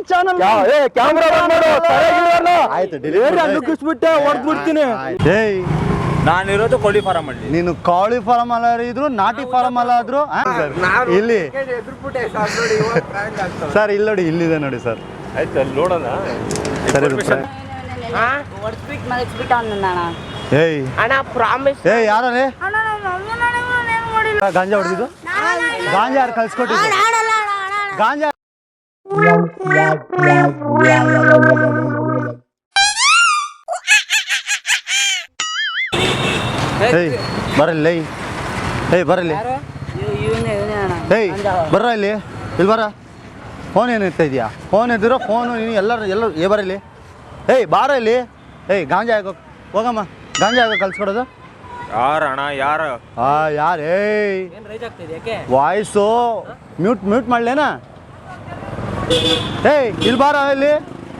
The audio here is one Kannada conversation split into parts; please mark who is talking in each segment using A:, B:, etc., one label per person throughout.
A: ಚಾನಲ್
B: ಕ್ಯಾಮ್ರಾ
A: ಆಯ್ತು ನುಗ್ಗಿಸ್ಬಿಟ್ಟೆ ಹೊಡೆದ್ ಬಿಡ್ತೀನಿ.
C: ಏಯ್
B: ನಾನಿರೋದು ಕೋಳಿ ಫಾರಂ ಅಲ್ಲಿ.
C: ನೀನು ಕೋಳಿ ಫಾರಂ ಅಲ್ಲ ಇದ್ರು ನಾಟಿ ಫಾರಂ ಅಲ್ಲ ಆದ್ರು ಇಲ್ಲಿ ಸರ್ ಇಲ್ಲಿ ನೋಡಿ ಇಲ್ಲಿದೆ ನೋಡಿ ಸರ್.
B: ಆಯ್ತು ಅಲ್ಲಿ ನೋಡೋಣ.
C: ಸರಿ ಏಯ್ ಏಯ್ ಯಾರೇ ಗಾಂಜಾ ಹೊಡೆದಿದ್ದು? ಗಾಂಜಾ ಯಾರು ಕಳ್ಸ್ಕೊಟ್ಟಿದ್ದು? ಗಾಂಜಾ ಏಯ್ ಬರಲ್ಲ ಏಯ್ ಬರಲಿ ಏಯ್ ಬರ್ರ ಇಲ್ಲಿ ಬರ. ಫೋನ್ ಏನು ಇರ್ತಾ ಇದೆಯಾ? ಫೋನ್ ಇದ್ದಿರೋ ಫೋನು ನೀನು ಎಲ್ಲರೂ ಬರಲಿ. ಏಯ್ ಬಾರ ಇಲ್ಲಿ. ಏಯ್ ಗಾಂಜಾ ಹಾಕೋ ಹೋಗಮ್ಮ. ಗಾಂಜಾ ಹಾಕೋ ಕಲ್ಸ್ಕೊಡೋದು
B: ಯಾರಣ್ಣ ಯಾರು?
C: ಯಾರು? ಏಯ್ ವಾಯ್ಸು ಮ್ಯೂಟ್ ಮಾಡ್ಲೇನಾ? ಏಯ್ ಇಲ್ಲಿ ಬಾರ ಇಲ್ಲಿ.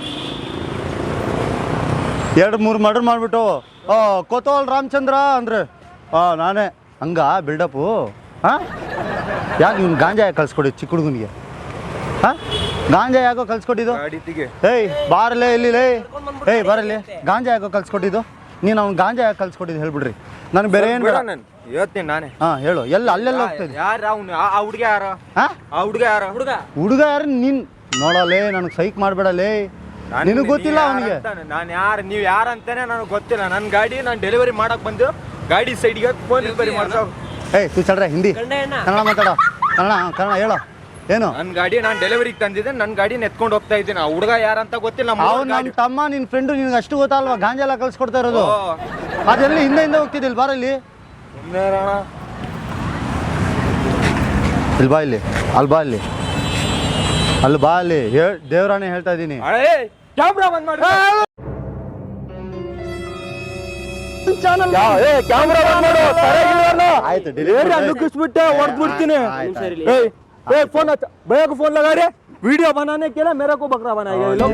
C: 2-3 ಮರ್ಡರ್ ಮಾಡಿಬಿಟ್ಟು ಕೋತವಾಲ್ ರಾಮಚಂದ್ರ ಅಂದ್ರೆ ನಾನೇ ಹಂಗ ಬಿಲ್ಡಪ್ಪು. ಹಾಂ ಯಾಕೆ ಇವ್ನು ಗಾಂಜಾ ಯಾಕೆ ಕಳ್ಸ್ಕೊಟ್ಟಿದ್ದು ಚಿಕ್ಕ ಹುಡುಗನಿಗೆ? ಹಾಂ ಗಾಂಜಾ ಯಾಕೋ ಕಳ್ಸ್ಕೊಟ್ಟಿದ್ದು? ಏಯ್ ಬಾರಲ್ಲೇ ಇಲ್ಲಿ ಏಯ್ ಬರಲಿ. ಗಾಂಜಾ ಯಾಕೋ ಕಳ್ಸ್ಕೊಟ್ಟಿದ್ದು? ನೀನು ಅವ್ನು ಗಾಂಜಾ ಯಾಕೆ ಕಳ್ಸ್ಕೊಟ್ಟಿದ್ದು ಹೇಳ್ಬಿಡ್ರಿ. ನನಗೆ ಬೇರೆ ಏನು ಬೇಡ.
B: ಹೇಳ್ತೀನಿ ನಾನೇ.
C: ಹಾಂ ಹೇಳು. ಅಲ್ಲೆಲ್ಲ ಹೋಗ್ತಾಯಿದ್ದೆ.
B: ಯಾರು ಅವ್ನು? ಆ ಹುಡುಗ ಯಾರು? ಹಾಂ ಆ ಹುಡುಗ ಯಾರು?
C: ಹುಡುಗ ಯಾರು? ನೀನು ನೋಡಲೇ ನನಗೆ ಸೈಕ್ ಮಾಡಬೇಡಲೇ. ನಿನಗೆ ಗೊತ್ತಿಲ್ಲ ಅವನಿಗೆ
B: ನಾನು ಯಾರು ನೀವು ಯಾರು ಅಂತಾನೆ ನನಗೆ ಗೊತ್ತಿಲ್ಲ. ನನ್ನ ಗಾಡಿ ನಾನು ಡೆಲಿವರಿ ಮಾಡಕ್ ಬಂದು ಗಾಡಿ ಸೈಡ್ಗೆ ಫೋನ್ ರಿಪೇರಿ ಮಾಡ್ಸೋ.
C: ಏಯ್ ತು ಚಡ್ರೆ ಹಿಂದಿ ಕನ್ನಡ ಮಾತಾಡೋ. ಕನ್ನಡ ಹೇಳೋ. ಏನು?
B: ನನ್ನ ಗಾಡಿ ನಾನು ಡೆಲಿವರಿಗೆ ತಂದಿದ್ದೆ. ನನ್ನ ಗಾಡಿನ ಎತ್ಕೊಂಡು ಹೋಗ್ತಾ ಇದ್ದೀನಿ. ಆ ಹುಡುಗ ಯಾರಂತ ಗೊತ್ತಿಲ್ಲ.
C: ಅವ್ನು ನಮ್ಮ ತಮ್ಮ ನಿನ್ನ ಫ್ರೆಂಡು. ನಿನ್ಗೆ ಅಷ್ಟು ಗೊತ್ತಲ್ವಾ ಗಾಂಜಾ ಎಲ್ಲ ಕಳ್ಸ್ಕೊಡ್ತಾ ಇರೋದು? ಅದೆಲ್ಲ ಹಿಂದೆ ಹೋಗ್ತಿದ್ದಿಲ್ಲ. ಬಾರಲ್ಲಿ ಇಲ್ಲಿ ಬಾ. ಇಲ್ಲಿ ಅಲ್ಲಿ ಬಾ. ಅಲ್ಲಿ ಬಾ. ಅಲ್ಲಿ ದೇವರಾಣೆ ಹೇಳ್ತಾ ಇದ್ದೀನಿ.
B: ಕ್ಯಾಮ್ರಾ ಬಂದ್ ಮಾಡಿ.
C: ಆಯ್ತು
A: ನುಗ್ಗಿಸ್ಬಿಟ್ಟೆ ಹೊಡೆದ್ ಬಿಡ್ತೀನಿ. फोन भैया को फोन लगा रहे वीडियो बनाने के लिए. मेरे को बकरा बनाएगा ये लोग.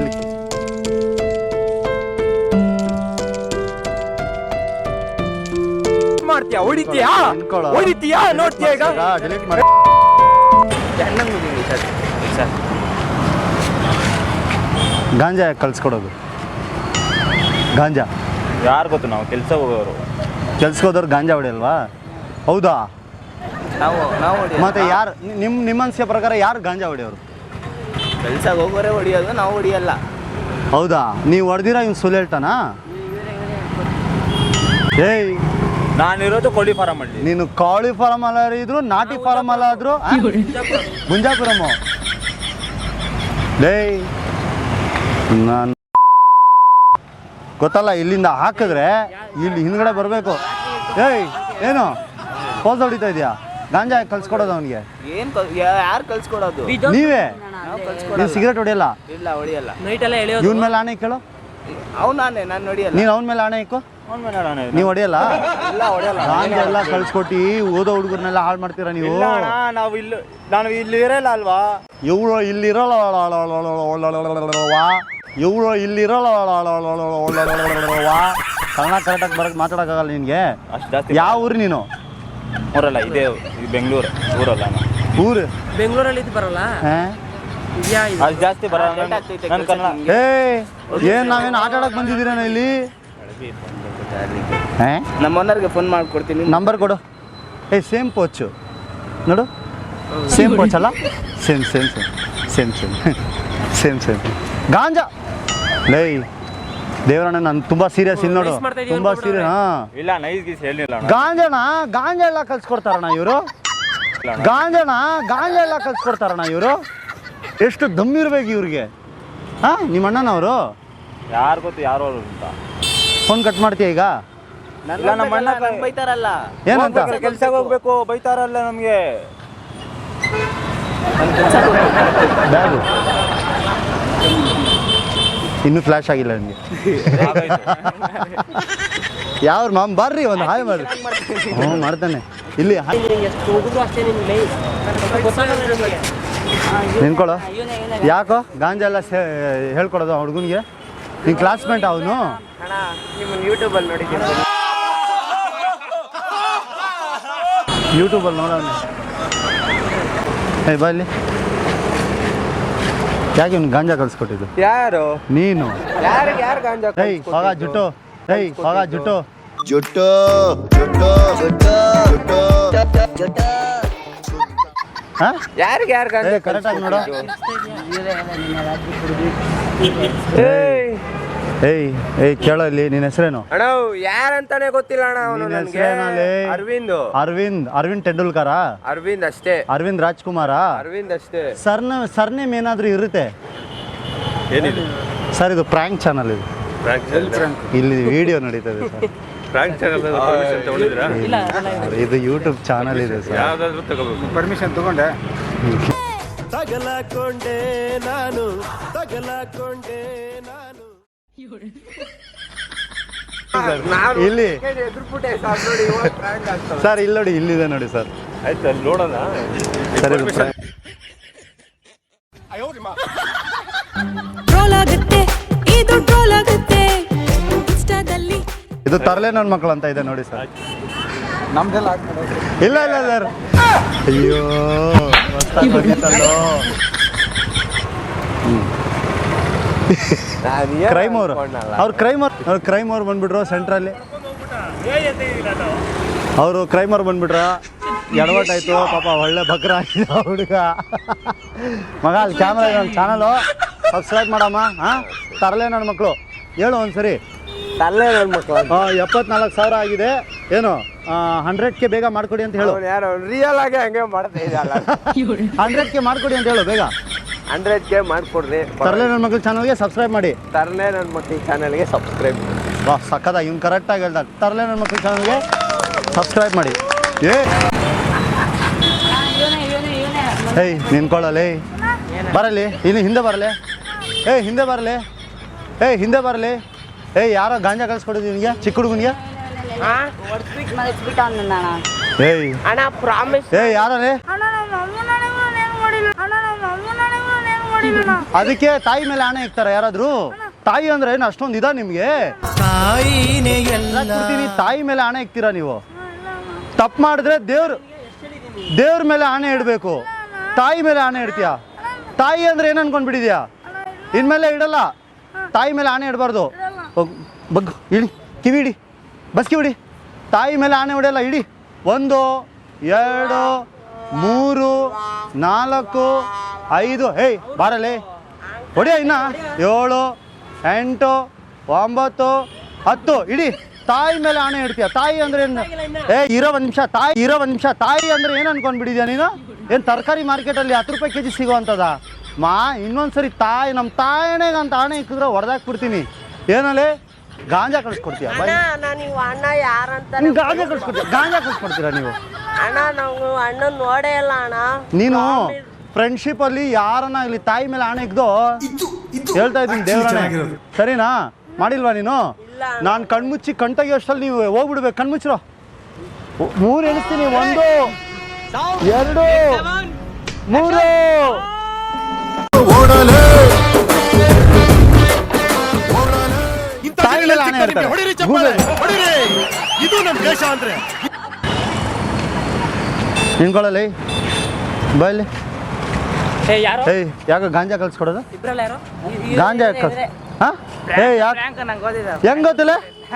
A: ಮಾಡ್ತೀಯಾ? ಹೊಡಿತೀಯಾ? ನೋಡ್ತೀಯಾ ಈಗ?
C: ಡಿಲೀಟ್ ಮಾಡಿ. ಗಾಂಜಾ ಯಾಕೆ ಕಳ್ಸ್ಕೊಡೋದು? ಗಾಂಜಾ
B: ಯಾರು ಗೊತ್ತು? ನಾವು ಕೆಲಸ ಹೋಗೋರು.
C: ಕೆಲ್ಸಕ್ಕೆ ಹೋದವ್ರು ಗಾಂಜಾ ಹೊಡಿಯಲ್ವಾ? ಹೌದಾ? ಮತ್ತೆ ಯಾರು ನಿಮ್ಮ ಅನಿಸಿಕೆ ಪ್ರಕಾರ ಯಾರು ಗಾಂಜಾ ಹೊಡಿಯೋರು?
D: ಕೆಲ್ಸಕ್ಕೆ ಹೋಗೋರೆ ಹೊಡಿಯೋದು, ನಾವು ಹೊಡಿಯಲ್ಲ.
C: ಹೌದಾ? ನೀವು ಹೊಡೆದಿರಾ ಇವ್ನು ಸುಳ್ಳು ಹೇಳ್ತಾನಾ? ಏಯ್
B: ನಾನಿರೋದು ಕೋಳಿ ಫಾರಂ ಅಲ್ಲಿ.
C: ನೀನು ಕೋಳಿ ಫಾರಂ ಅಲ್ಲ ಇದ್ರು ನಾಟಿ ಫಾರಂ ಅಲ್ಲ ಆದ್ರು ಗುಂಜಾಪುರಮ್ಮ. ಡೇಯ್ ನಾನು ಗೊತ್ತಲ್ಲ. ಇಲ್ಲಿಂದ ಹಾಕಿದ್ರೆ ಇಲ್ಲಿ ಹಿಂದ್ಗಡೆ ಬರಬೇಕು. ಏಯ್ ಏನು ಪೋಸ್ ಹೊಡಿತಾ ಇದೆಯಾ? ಗಾಂಜಾ ಕಳ್ಸ್ಕೊಡೋದು ಅವನಿಗೆ?
D: ಯಾರು ಕಳ್ಸ್ಕೊಡೋದು?
C: ನೀವೇ. ನೀವು ಸಿಗರೇಟ್ ಹೊಡಿಯಲ್ಲ?
D: ಇಲ್ಲ ಹೊಡಿಯಲ್ಲ.
C: ಇವನ ಮೇಲೆ ಆಣೆ ಇಕ್ಕಳು.
D: ಅವನಾನೆ ನಾನು ಹೊಡಿಯಲ್ಲ.
C: ನೀನು ಅವನ ಮೇಲೆ ಆಣೆ ಇಕ್ಕು. ನೀವು ಹೊಡಿಯಲ್ಲ? ಗಾಂಜಾ ಎಲ್ಲ ಕಳ್ಸ್ಕೊಟ್ಟು ಓದೋ ಹುಡುಗರನ್ನೆಲ್ಲ ಹಾಳು ಮಾಡ್ತೀರಾ ನೀವು?
B: ನಾನು ಇಲ್ಲಿ ಇರಲ್ಲ ಅಲ್ವಾ?
C: ಇವಳು ಇಲ್ಲಿರಲ್ಲ. ಕನ್ನಡ ಕರೆಕ್ಟಾಗಿ ಬರಕ್ಕೆ ಮಾತಾಡೋಕ್ಕಾಗಲ್ಲ ನಿನಗೆ. ಯಾವ ಊರು ನೀನು?
B: ಊರಲ್ಲ, ಇದೇ ಬೆಂಗಳೂರು ಊರಲ್ಲ.
C: ಊರು
A: ಬೆಂಗಳೂರಲ್ಲಿ ಬರಲ್ಲ.
B: ಅದು ಜಾಸ್ತಿ ಬರಲ್ಲ.
C: ಏನ್ ನಾವೇನು ಆಟ ಆಡಕ್ ಬಂದಿದ್ದೀರೇನ ಇಲ್ಲಿ?
D: ನಮ್ಮ ಓನರ್ಗೆ ಫೋನ್ ಮಾಡ್ಕೊಡ್ತೀನಿ.
C: ನಂಬರ್ ಕೊಡು. ಸೇಮ್ ಪೋಚು ನೋಡು. ಸೇಮ್ ಪೋಚ್ ಅಲ್ಲ? ಸೇಮ್ ಗಾಂಜಾ. ಲೈ ದೇವರಣ್ಣ ನಾನು ತುಂಬಾ ಸೀರಿಯಸ್ ಇಲ್ಲಿ ನೋಡು. ತುಂಬಾ ಸೀರಿಯಸ್.
B: ಇಲ್ಲ ನೈಸ್ ಗೀಸ್ ಹೇಳಿಲ್ಲ.
C: ಗಾಂಜಾ ಎಲ್ಲ ಕಲ್ಸ್ಕೊಡ್ತಾರಣ್ಣ ಇವರು. ಗಾಂಜಾ ಎಲ್ಲ ಕಲ್ಸ್ಕೊಡ್ತಾರಣ್ಣ ಇವರು. ಎಷ್ಟು ದಮ್ಮಿರ್ಬೇಕು ಇವ್ರಿಗೆ? ನಿಮ್ಮ ಅಣ್ಣನವರು?
B: ಯಾರು ಗೊತ್ತು ಯಾರು ಅವರು ಅಂತ.
C: ಫೋನ್ ಕಟ್ ಮಾಡ್ತೀಯ ಈಗ?
D: ನಮ್ಮ ಅಣ್ಣ ಬೈತಾರಲ್ಲ.
C: ಏನಂತ?
B: ಕೆಲ್ಸಕ್ಕೆ ಹೋಗ್ಬೇಕು ಬೈತಾರಲ್ಲ ನಮ್ಗೆ.
C: ಬ್ಯಾಗು ಇನ್ನೂ ಫ್ಲಾಶ್ ಆಗಿಲ್ಲ ನನಗೆ. ಯಾವ್ರು ಮಾಮ್ ಬರ್ರಿ ಒಂದು ಹಾಯ್ ಮಾಡ್ರಿ. ಹ್ಞೂ ಮಾಡ್ತಾನೆ ಇಲ್ಲಿ. ನಿನ್ಕೊಳ್ಳೋ. ಯಾಕೋ ಗಾಂಜಾ ಎಲ್ಲ ಹೇಳ್ಕೊಡೋದು ಆ ಹುಡುಗನಿಗೆ? ನಿನ್ನ ಕ್ಲಾಸ್ಮೇಟ್ ಅವನು?
D: ಯೂಟ್ಯೂಬಲ್ಲಿ ನೋಡಿದ್ದೀನಿ.
C: ಯೂಟ್ಯೂಬಲ್ಲಿ ನೋಡೋಣ. ಬಾ ಇಲ್ಲಿ. ಯಾಕೆ ಇವ್ನು ಗಾಂಜಾ ಕಳ್ಸ್ಕೊಟ್ಟಿದ್ದು?
B: ಯಾರು
C: ನೀನು.
B: ಯಾರು ಗಾಂಜಾ
C: ಏಯ್ ಹೋಗ ಜುಟ್ಟು, ಏಯ್ ಹೋಗ ಜುಟ್ಟು. ಹಾ
B: ಯಾರಿಗೆ ಯಾರು ಗಾಂಜಾ
C: ಕರೆಕ್ಟಾಗಿ ನೋಡು. ಏಯ್ ಏಯ್ ಕೇಳೋ ಇಲ್ಲಿ, ನಿನ್ನ ಹೆಸರೇನು?
B: ಅಣ್ಣ ಯಾರಂತಾನೆ ಗೊತ್ತಿಲ್ಲ ಅಣ್ಣ. ಅವನು
C: ನಿನ್ನ
B: ನನಗೆ
C: ಹೆಸರೇನಲ್ಲಿ?
B: ಅರವಿಂದ್
C: ಟೆಂಡೂಲ್ಕರ?
B: ಅರವಿಂದ್ ಅಷ್ಟೇ.
C: ಅರವಿಂದ್ ರಾಜ್ಕುಮಾರ?
B: ಅರವಿಂದ್ ಅಷ್ಟೇ.
C: ಸರ್ನೇಮ್ ಏನಾದರೂ ಇರುತ್ತೆ
B: ಏನಿದೆ
C: ಸರ್? ಇದು ಪ್ರಾಂಕ್ ಚಾನಲ್, ಇದು ಇಲ್ಲಿ ವಿಡಿಯೋ ನಡೀತದೆ ಸರ್.
B: ಪ್ರಾಂಕ್ ಚಾನಲ್ ಪರ್ಮಿಷನ್ ತಗೊಂಡಿದ್ರಾ?
C: ಇದು ಯೂಟ್ಯೂಬ್ ಚಾನಲ್ ಇದೆ ಸರ್.
B: ಯಾವ್ದಾದ್ರು ತಗೋಬೇಕು.
E: ಪರ್ಮಿಷನ್ ತಗೊಂಡೆ.
F: ತಗಲಕೊಂಡೆ ನಾನು
C: ಇಲ್ಲಿ
B: ಎದುರ್ಬಿಟ್ಟೆ ಸರ್ ನೋಡಿ, ಇವಾಗ ಪ್ರಾಂಕ್ ಆಗ್ತದೆ
C: ಸರ್. ಇಲ್ಲಿ ನೋಡಿ, ಇಲ್ಲಿದೆ ನೋಡಿ ಸರ್.
B: ಆಯ್ತು ಅಲ್ಲಿ ನೋಡೋಣ
C: ಸರ್ ಇದು
G: ಟ್ರೋಲ್ ಆಗುತ್ತೆ, ಇದು ಟ್ರೋಲ್ ಆಗುತ್ತೆ ಇನ್ಸ್ಟಾದಲ್ಲಿ.
C: ಇದು ತರಲೆ ನನ್ನ ಮಕ್ಕಳು ಅಂತ ಇದೆ ನೋಡಿ ಸರ್.
E: ನಮ್ದೆಲ್ಲ
C: ಇಲ್ಲ ಇಲ್ಲ ಸರ್. ಅಯ್ಯೋ ಹೊಸ್ದಾಗಿ ಬಂದಿತ್ತಲ್ಲೋ. ಕ್ರೈಮ್ ಅವ್ರು ಕ್ರೈಮ್ ಅವ್ರು ಬಂದ್ಬಿಟ್ರು ಸೆಂಟ್ರಲ್ಲಿ. ಅವರು ಕ್ರೈಮರ್ ಬಂದ್ಬಿಟ್ರ, ಎಡವಟ್ಟಾಯ್ತು ಪಾಪ. ಒಳ್ಳೆ ಬಕ್ರ ಆಗಿದೆ ಹುಡುಗ. ಮಗ ಅಲ್ಲಿ ಕ್ಯಾಮ್ರಾ ಇದೆ, ಒಂದು ಚಾನಲು ಸಬ್ಸ್ಕ್ರೈಬ್ ಮಾಡಮ್ಮ. ಹಾಂ ತರಲೆ ನನ್ನ ಮಕ್ಕಳು ಹೇಳು ಒಂದ್ಸರಿ.
B: ತರಲೆ ನನ್ನ ಮಕ್ಕಳು
C: 74,000 ಆಗಿದೆ, ಏನು 100K ಬೇಗ ಮಾಡ್ಕೊಡಿ ಅಂತ ಹೇಳು.
B: ಯಾರು ರಿಯಲ್ ಆಗಿ ಹಂಗೆ ಮಾಡ್ತಾ ಇದ್ದಲ್ಲ.
C: 100K ಮಾಡ್ಕೊಡಿ ಅಂತ ಹೇಳು ಬೇಗ.
B: 100K ಮಾಡ್ಕೊಡ್ರಿ.
C: ತರಲೆ ನನ್ನ ಮಕ್ಕಳು ಚಾನಲ್ಗೆ ಸಬ್ಸ್ಕ್ರೈಬ್ ಮಾಡಿ.
B: ತರಲೆ ನನ್ನ ಮಕ್ಕಳ ಚಾನಲ್ಗೆ ಸಬ್ಸ್ಕ್ರೈಬ್.
C: ವಾ ಸಕ್ಕದ, ಇವ್ನು ಕರೆಕ್ಟಾಗಿ ಹೇಳ್ದ. ತರಲೆ ನನ್ನ ಮಕ್ಕಳ ಚಾನಲ್ಗೆ ಸಬ್ಸ್ಕ್ರೈಬ್ ಮಾಡಿ. ಏಯ್ ನಿನ್ಕೊಳ್ಳಲೇ, ಬರಲಿ ಇನ್ನು ಹಿಂದೆ ಬರಲಿ. ಹಿಂದೆ ಬರಲಿ. ಹಿಂದೆ ಬರಲಿ. ಯಾರೋ ಗಾಂಜಾ ಕಳ್ಸ್ಕೊಡಿದ್ವಿ ನಿನಗೆ, ಚಿಕ್ಕ ಹುಡುಗನಿಗೆ.
D: ಅಣ್ಣ ಪ್ರಾಮಿಸ್.
C: ಯಾರೇ? ಅದಕ್ಕೆ ತಾಯಿ ಮೇಲೆ ಆಣೆ ಇಕ್ತಾರ ಯಾರಾದ್ರು? ತಾಯಿ ಅಂದ್ರೆ ಏನು ಅಷ್ಟೊಂದು ಇದ ನಿಮ್ಗೆ? ತಾಯಿ ಮೇಲೆ ಆಣೆ ಇಕ್ತೀರಾ ನೀವು? ತಪ್ಪು ಮಾಡಿದ್ರೆ ದೇವ್ರ ಮೇಲೆ ಆಣೆ ಇಡಬೇಕು, ತಾಯಿ ಮೇಲೆ ಆಣೆ ಇಡ್ತೀಯಾ? ತಾಯಿ ಅಂದ್ರೆ ಏನು ಅನ್ಕೊಂಡ್ಬಿಟ್ಟಿದ್ಯಾ? ಇನ್ಮೇಲೆ ಇಡಲ್ಲ, ತಾಯಿ ಮೇಲೆ ಆಣೆ ಇಡಬಾರ್ದು. ಬಗ್ಗು, ಇಡಿ, ಕಿವಿ ಇಡಿ, ಬಸ್ಕಿ ಬಿಡಿ. ತಾಯಿ ಮೇಲೆ ಆಣೆ ಹೊಡೆಯಲ್ಲ, ಇಡಿ. 1 2 3 4 5. ಬಾರಲೇ ಹೊಡಿಯ. ಇನ್ನ 7 8 9 10 ಇಡಿ. ತಾಯಿ ಮೇಲೆ ಆಣೆ ಇಡ್ತೀಯ? ತಾಯಿ ಅಂದ್ರೆ ಏನು? ಇರೋ ಒಂದು ನಿಮಿಷ. ತಾಯಿ ಅಂದ್ರೆ ಏನು ಅನ್ಕೊಂಡ್ಬಿಟ್ಟಿದ್ಯಾ ನೀನು? ಏನು ತರಕಾರಿ ಮಾರ್ಕೆಟಲ್ಲಿ 10 ರೂಪಾಯಿ ಕೆಜಿ ಸಿಗೋವಂಥದ? ಇನ್ನೊಂದ್ಸರಿ ನಮ್ಮ ತಾಯಣೆಗೆ ಅಂತ ಆಣೆ ಇಕ್ಕಿದ್ರೆ ಹೊಡೆದಾಕ್ಬಿಡ್ತೀನಿ. ಏನಲ್ಲೇ ಗಾಂಜಾ ಕಳ್ಸ್ಕೊಡ್ತೀಯ? ಗಾಂಜಾ ಕಳ್ಸ್ಕೊಡ್ತೀರಾ ನೀವು?
H: ಅಣ್ಣ ನಾವು ಅಣ್ಣ ನೋಡೇ ಇಲ್ಲ ಅಣ್ಣ.
C: ನೀನು ಫ್ರೆಂಡ್ಶಿಪ್ ಅಲ್ಲಿ ಯಾರನ್ನ ಇಲ್ಲಿ ತಾಯಿ ಮೇಲೆ ಆಣೆ ಇಕ್ದೋ ಹೇಳ್ತಾ ಇದ್ದೀನಿ, ದೇವ್ರಾಣೆ. ಸರಿನಾ? ಮಾಡಿಲ್ವಾ ನೀನು? ನಾನು ಕಣ್ಮುಚ್ಚಿ ಕಣ್ತಾಗಿಯೋಷ್ಟಲ್ಲಿ ನೀವು ಹೋಗ್ಬಿಡ್ಬೇಕು. ಕಣ್ಮುಚ್ಚಿರೋ. 3 ಎಣಿಸ್ತೀನಿ. 1 2 3. ತಾಯಿ ಮೇಲೆ ಆಣೆ ಇರ್ತಾರೆ.
F: ಇದು ನಮ್ಮ ದೇಶ ಅಂದ್ರೆ.
C: ನಿನ್ಕೊಳ್ಳಲಿ ಬೈಲಿ. ಯಾಕೆ ಗಾಂಜಾ ಕಳ್ಸ್ಕೊಡೋದು? ಗಾಂಜಾ ಹಾಂ? ಯಾಕೆ ಹೆಂಗ್ ಗೊತ್ತಿಲ್ಲ?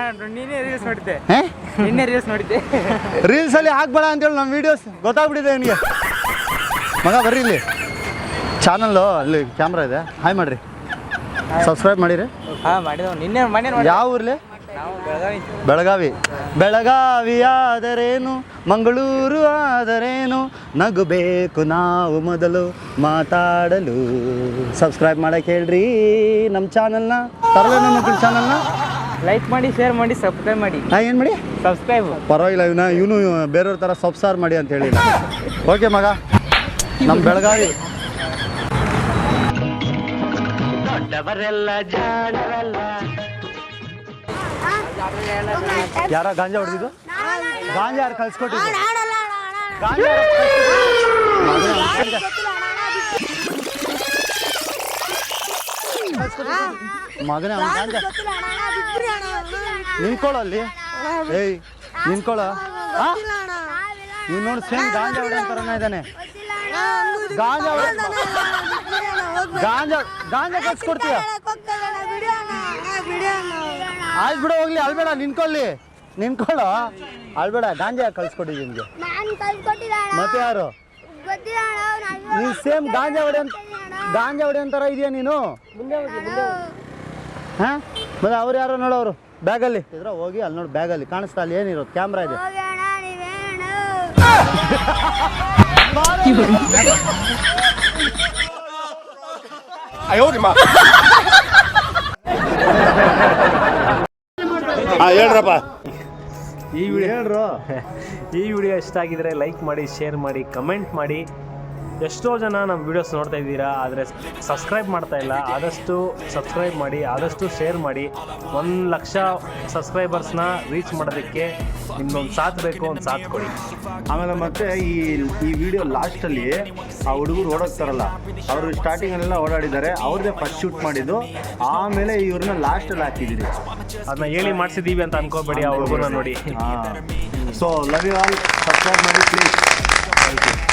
C: ರೀಲ್ಸ್ ಅಲ್ಲಿ ಹಾಕ್ಬೇಡ ಅಂತೇಳಿ ನಮ್ಮ ವಿಡಿಯೋಸ್ ಗೊತ್ತಾಗ್ಬಿಟ್ಟಿದೆ ನಿನಗೆ. ಮಗ ಬರ್ರಿ ಇಲ್ಲಿ ಚಾನಲ್ಲು, ಅಲ್ಲಿ ಕ್ಯಾಮ್ರಾ ಇದೆ. ಹಾಯ್ ಮಾಡ್ರಿ, ಸಬ್ಸ್ಕ್ರೈಬ್ ಮಾಡಿರಿ. ಯಾವ ಊರ್ಲಿ? ಬೆಳಗಾವಿ ಆದರೇನು, ಮಂಗಳೂರು ಆದರೇನು, ನಗಬೇಕು ನಾವು ಮೊದಲು ಮಾತಾಡಲು. ಸಬ್ಸ್ಕ್ರೈಬ್ ಮಾಡಕ್ಕೆ ಹೇಳ್ರಿ ನಮ್ಮ ಚಾನಲ್ನ, ತರಲೆ ನನ್ನ ಮಕ್ಕಳ ಚಾನಲ್ನ.
D: ಲೈಕ್ ಮಾಡಿ, ಶೇರ್ ಮಾಡಿ, ಸಬ್ಸ್ಕ್ರೈಬ್ ಮಾಡಿ.
C: ಏನು ಮಾಡಿ?
D: ಸಬ್ಸ್ಕ್ರೈಬ್.
C: ಪರವಾಗಿಲ್ಲ, ಇವನು ಬೇರೆಯವ್ರ ಥರ ಸಬ್ಸಾರ್ ಮಾಡಿ ಅಂತ ಹೇಳಿಲ್ಲ. ಓಕೆ ಮಗ, ನಮ್ಮ ಬೆಳಗಾವಿ. ಯಾರ ಗಾಂಜಾ ಹೊಡೆದಿದ್ದು? ಗಾಂಜಾ ಯಾರು ಕಳ್ಸ್ಕೊಟ್ಟಿದ್ದು? ಮಗನೇ ಗಾಂಜಾ ನಿನ್ಕೊಳ್ಳಲ್ಲಿ. ನಿನ್ಕೊಳ್ಳ. ನೀನು ನೋಡಿ ಸೇಮ್ ಗಾಂಜಾ ಹೊಡೆ ಅಂತಾರನೇ ಇದ್ದಾನೆ. ಗಾಂಜಾ ಗಾಂಜಾ ಕಳ್ಸ್ಕೊಡ್ತೀಯ ಆಯ್ತು ಬಿಡು ಹೋಗ್ಲಿ ಅಳ್ಬೇಡ ನಿನ್ಕೊಳ್ಳೋ ಅಳ್ಬೇಡ ಗಾಂಜಾ ಕಳ್ಸ್ಕೊಟ್ಟಿದ್ದೀನಿ ನಿನ್ಗೆ ಮತ್ತೆ ಯಾರು ನೀ ಸೇಮ್ ಗಾಂಜಾ ಹೊಡೆ ಅಂತಾರ ಇದೆಯಾ ನೀನು ಹಾ ಮತ್ತೆ ಅವ್ರು ಯಾರೋ ನೋಡೋರು ಬ್ಯಾಗಲ್ಲಿ ಇದ್ರ ಹೋಗಿ ಅಲ್ಲಿ ನೋಡಿ ಬ್ಯಾಗಲ್ಲಿ ಕಾಣಿಸ್ತಾ ಅಲ್ಲಿ ಏನಿರೋದು ಕ್ಯಾಮ್ರಾ ಇದೆ
F: ಹೇಳ್ರಪ್ಪ
E: ಈ ವಿಡಿಯೋ ಇಷ್ಟ ಆಗಿದ್ರೆ ಲೈಕ್ ಮಾಡಿ, ಶೇರ್ ಮಾಡಿ, ಕಮೆಂಟ್ ಮಾಡಿ. ಎಷ್ಟೋ ಜನ ನಮ್ಮ ವಿಡಿಯೋಸ್ ನೋಡ್ತಾ ಇದ್ದೀರಾ, ಆದರೆ ಸಬ್ಸ್ಕ್ರೈಬ್ ಮಾಡ್ತಾ ಇಲ್ಲ. ಆದಷ್ಟು ಸಬ್ಸ್ಕ್ರೈಬ್ ಮಾಡಿ, ಆದಷ್ಟು ಶೇರ್ ಮಾಡಿ. 1,00,000 ಸಬ್ಸ್ಕ್ರೈಬರ್ಸ್ನ ರೀಚ್ ಮಾಡೋದಕ್ಕೆ ನಿಮ್ದೊಂದು ಸಾಥ್ ಬೇಕು, ಒಂದು ಸಾಥ್ ಕೊಡಿ.
C: ಆಮೇಲೆ ಮತ್ತೆ ಈ ವಿಡಿಯೋ ಲಾಸ್ಟಲ್ಲಿ ಆ ಹುಡುಗರು ಓಡೋಗ್ತಾರಲ್ಲ, ಅವರು ಸ್ಟಾರ್ಟಿಂಗಲ್ಲೆಲ್ಲ ಓಡಾಡಿದ್ದಾರೆ, ಅವ್ರದ್ದೇ ಫಸ್ಟ್ ಶೂಟ್ ಮಾಡಿದ್ದು. ಆಮೇಲೆ ಇವ್ರನ್ನ ಲಾಸ್ಟಲ್ಲಿ ಹಾಕಿದ್ದೀರಿ.
E: ಅದನ್ನ ಹೇಳಿ ಮಾಡಿಸಿದ್ದೀವಿ ಅಂತ ಅನ್ಕೋಬೇಡಿ, ಆ ಹುಡುಗನ ನೋಡಿ.
C: So love you all, subscribe ಮಾಡಿ ಪ್ಲೀಸ್. Thank you.